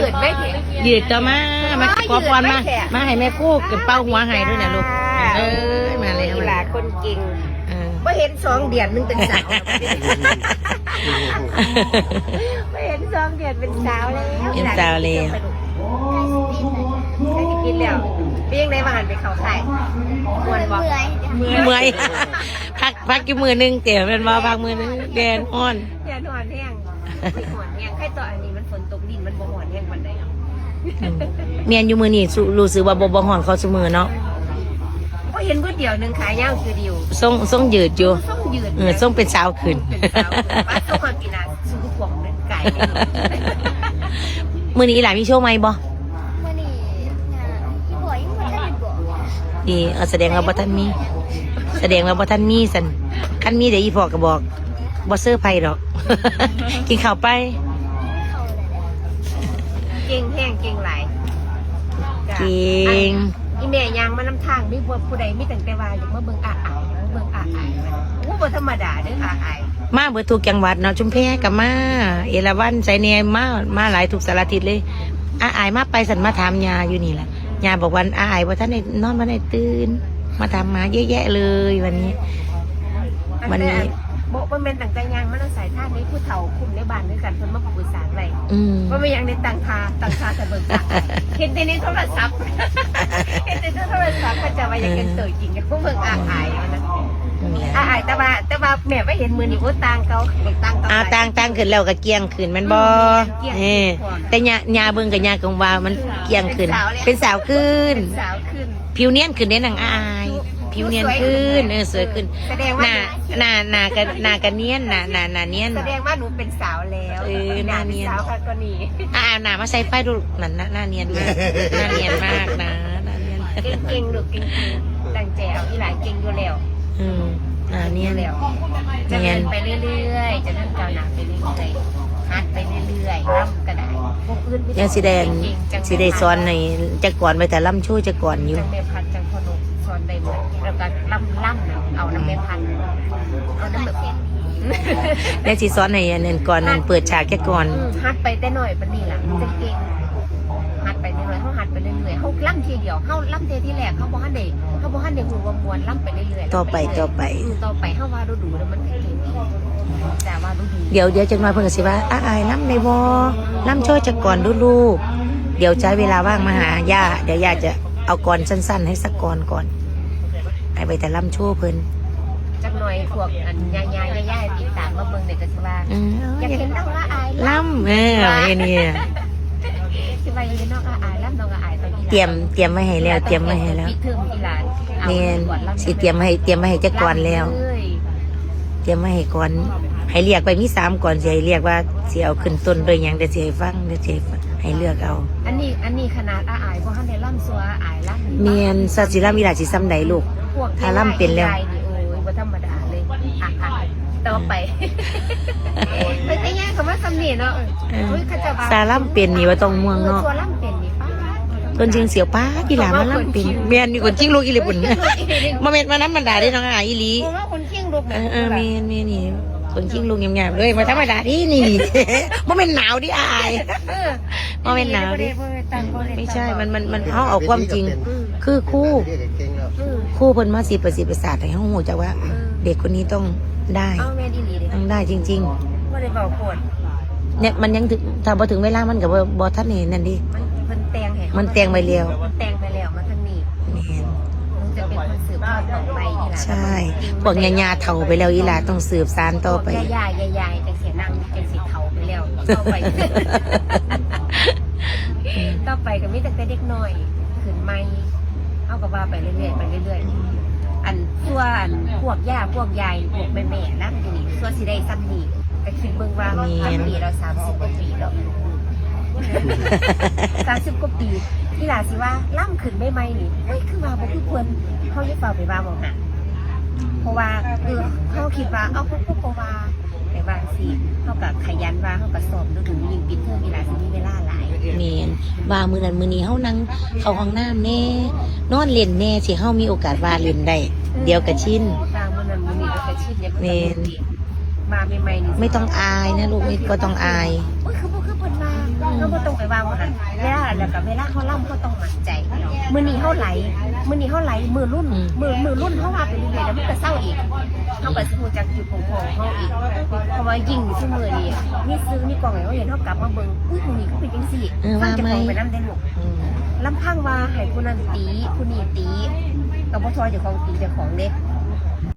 ดไม่แข็งยืดต่อมาขอพรมาให้แม่คู่กับเป้าหัวให้ด้วยนะลูกมาเลยหลาคนเก่งไม่เห็น2 เดือนนึงเป็นสาวไม่เห็น2 เดือนเป็นสาวแล้วเป็นสาวเลยใครจะกินแล้วเปี้ยงได้มาหันไปเขาใส่มวนบอกเมื่อยพักกี่มือนึงเตี๋ยวเป็นว่าพักมือนึงแดนอ่อนแดนอ่อนแห้งอ่อนแห้งแค่ตัวอันนี้มันฝนตกดินมันบ่อ่อนแห้งวันใดเมียนอยู่มือนี่รู้สึกว่าบ่ห่อนเขาเสมอเนาะก็เห็นก๋วยเตี๋ยวนึงขายย่างคือเดียวส่งยืดอยู่ส่งยืดส่งเป็นสาวขึ้นว่าส่งคนปีนาสู้ขวงเป็นไก่มือนี้หลานมีโชว์ไหมบ่มื้อนี้อีบ่ยังบ่ทันบอกนี่แสดงว่าบ่ทันมีสันคันมีเดี๋ยวอีพ่อก็บอกบ่เซอร์ไพรส์ดอกกินข้าวไปเก่งแห้งเก่งหลายเก่งอีแม่ยางมานำทางมีผู้ใดมีตั้งแต่ว่าอยากมาเบิ่งอาอายมันบ่ธรรมดาเด้ออาอายมาเบิดทุกจังหวัดเนาะชุมแพกับมาเอราวัณไสเนียมาหลายทุกสารทิศเลยอาอายมาไปสันมาถามยาอยู่นี่แหละยาบอกวันอาอายว่าท่านได้นอนมาได้ตื่นมาถามมาเยอะแยะเลยวันนี้บ่เป็นตั้งแต่ยางมันสายท่านี้ผู้เฒ่าคุมในบ้านด้วยกันเพิ่นมาปรึกษาไว้ว่าไม่ยังในต่างทาแต่เบิ่งตาเห็นในโทรศัพท์ก็จะว่าอย่างกันเตยจริงกันพวกเบิ่งอาอายนะอาอายแต่ว่าแม่ไม่เห็นมือนี่ว่าต่างเก่าต่างขึ้นแล้วก็เกียงขึ้นมันบ่แต่ยาเบิ่งกับยากงว่ามันเกียงขึ้นเป็นสาวขึ้นผิวเนียนขึ้นได้นางอายผิวเนียนขึ้นสวยขึ้นหน้ากันเนียนหน้าเนียนแสดงว่าหนูเป็นสาวแล้วหน้าเนียนสาวก็นี่หน้ามาใส่ไฟดูนั่นหน้าเนียนมากหน้าเนียนมากนะหน้าเนียนเก่งลูกเก่งตั้งใจเอาที่หลายเก่งอยู่แล้วเนียนแล้วจะเดินไปเรื่อยๆจะเดินก้าวหน้าไปเรื่อยๆฮัดไปเรื่อยๆร่ำกระดาษพวกอื่นยังสีแดงซ้อนในจะก่อนไปแต่ล่ำช่วยจะก่อนอยู่จังแม่พัดจังพนกซ้อนได้หมดแล้วก็ล่ำเอาน้ำแม่พันเอาน้ำแบบแล้วสีซ้อนในนั่นก่อนนั่นเปิดฉากแค่ก่อนฮัดไปแต่หน่อยปนี่แหละจะเก่งฮัดไปเรื่อยๆเขาฮัดไปเรื่อยๆเขาล่ำทีเดียวเขาล่ำเทที่แรกเขาบอกฮันเด็กหูวมวนล่ำไปเรื่อยๆต่อไปเขาว่าดูแล้วมันเก่งแต่ว่าดูเดี๋ยวจะมาเพิ่งสิว่าอายล่ำในวอล่ำช่วยจะก่อนดูลูกเดี๋ยวใช้เวลาว่างมาหาย่าเดี๋ยวย่าจะเอาก่อนสั้นๆให้สักก่อนให้ไปแต่ล่ำชั่วเพิ่นจักหน่อยพวกอันยายติดตามมาเบิ่งเด็กก็สิว่าอยากเห็นน้องอายล่ำนี่สิว่าเห็นน้องอายล่ำน้องอายตอนนี้เตรียมไว้ให้แล้วเตรียมไว้ให้แล้วเนี่ยสิเตรียมให้จักก่อนแล้วเตรียมไว้ให้ก่อนให้เรียกไปมี3ก่อนสิให้เรียกว่าสิเอาขึ้นต้นโดยหยังเดี๋ยวสิให้ฟังเดี๋ยวสิให้เลือกเอาอันนี้ขนาดอายบ่ทันได้ล่ำซัวอายล่ำเมียนสัตว์สิล่ำมีหลายสิซ้ำใดลูกถ้าล่ำเป็นแล้วบ่ธรรมดาเลยต่อไปไม่ใช่แย่คำว่าซ้ำนี่เนาะซาล่ำเป็นนี่ว่าต้องม่วงเนาะซัวล่ำเป็นนี่ป้าคนจริงเสียวป้าที่หลามาล่ำเป็นเมียนมีคนจริงลูกอีหลีปุ่นมาเม็ดมาน้ำมันด่าได้น้องอายอีหลีคนจริงลูกเมียนนี่คนจริงลูกงามๆเลยมาธรรมดาที่นี่มาเป็นหนาวดิอายมาเป็นหนาวดิไม่ใช่มันเขาเอาความจริงคือคู่เพิ่นมา10 ประสาทให้เขาหูจักว่าเด็กคนนี้ต้องได้จริงๆว่าได้เบาโคตรเนี่ยมันยังถึงถ้าพอถึงเวลามันกับบอท่านเห็นนั่นดิมันแตงไปแล้วมาทางนี้มันจะเป็นคนสืบทอดต่อไปอีหลาใช่พวกญาเฒ่าไปแล้วอีหลาต้องสืบสานต่อไปยายแต่เสียนั่งเป็นสิเฒ่าไปแล้วต่อไปก็มีแต่เด็กน้อยขึ้นใหม่เอากับว่าไปเรื่อยอันพวกย่าพวกยายพวกแม่นั่งอยู่นี่ส่วนสิได้ซ้ำนี่ก็คิดเบิ่งว่าปีเรา30 กว่าปีแล้ว30 กว่าปีที่หลาสิว่าล่ำขึ้นไม่นี่เฮ้ยคือว่าบ่คือควรเขาจะเฝ้าไปว่าบ่หะเพราะว่าเขาคิดว่าเอาพวกว่าแต่บางสิเขาก็ขยันว่าเขาก็สอบดูยิงปิดเทอมอีหลาสิมีเวลาหลายแม่นว่ามื้อนั้นมื้อนี้เฮานั่งเข้าห้องน้ำแน่นอนเล่นแน่สิเฮามีโอกาสว่าเล่นได้เดี๋ยวก็ชินมื้อนั้นมื้อนี้ก็ชินแม่นมาใหม่ๆนี่ไม่ต้องอายนะลูกไม่ก็ต้องอายคือเพิ่นมาเขาบ่ต้องไปว่ามันเวลาแล้วก็เวลาเขาล่ำเขาต้องมั่นใจมื้อนี้เขาไหลมือรุ่นมือรุ่นเขาว่าไปเรื่อยๆแล้วมันก็เศร้าอีกเขาก็สิฮู้จักจุดของเขาอีกเพราะว่ายิ่งซุมื้อนี้มีซื้อมีกล่องให้เขาเห็นเขากลับมาเบิ่งอุ้ยมื้อนี้เขาเป็นจังซี่ฟังจากของไปนำได้ลูกลำพังว่าให้ผู้นั้นตีผู้นี้ตีก็บ่ทอเจ้าของตีเจ้าของเด้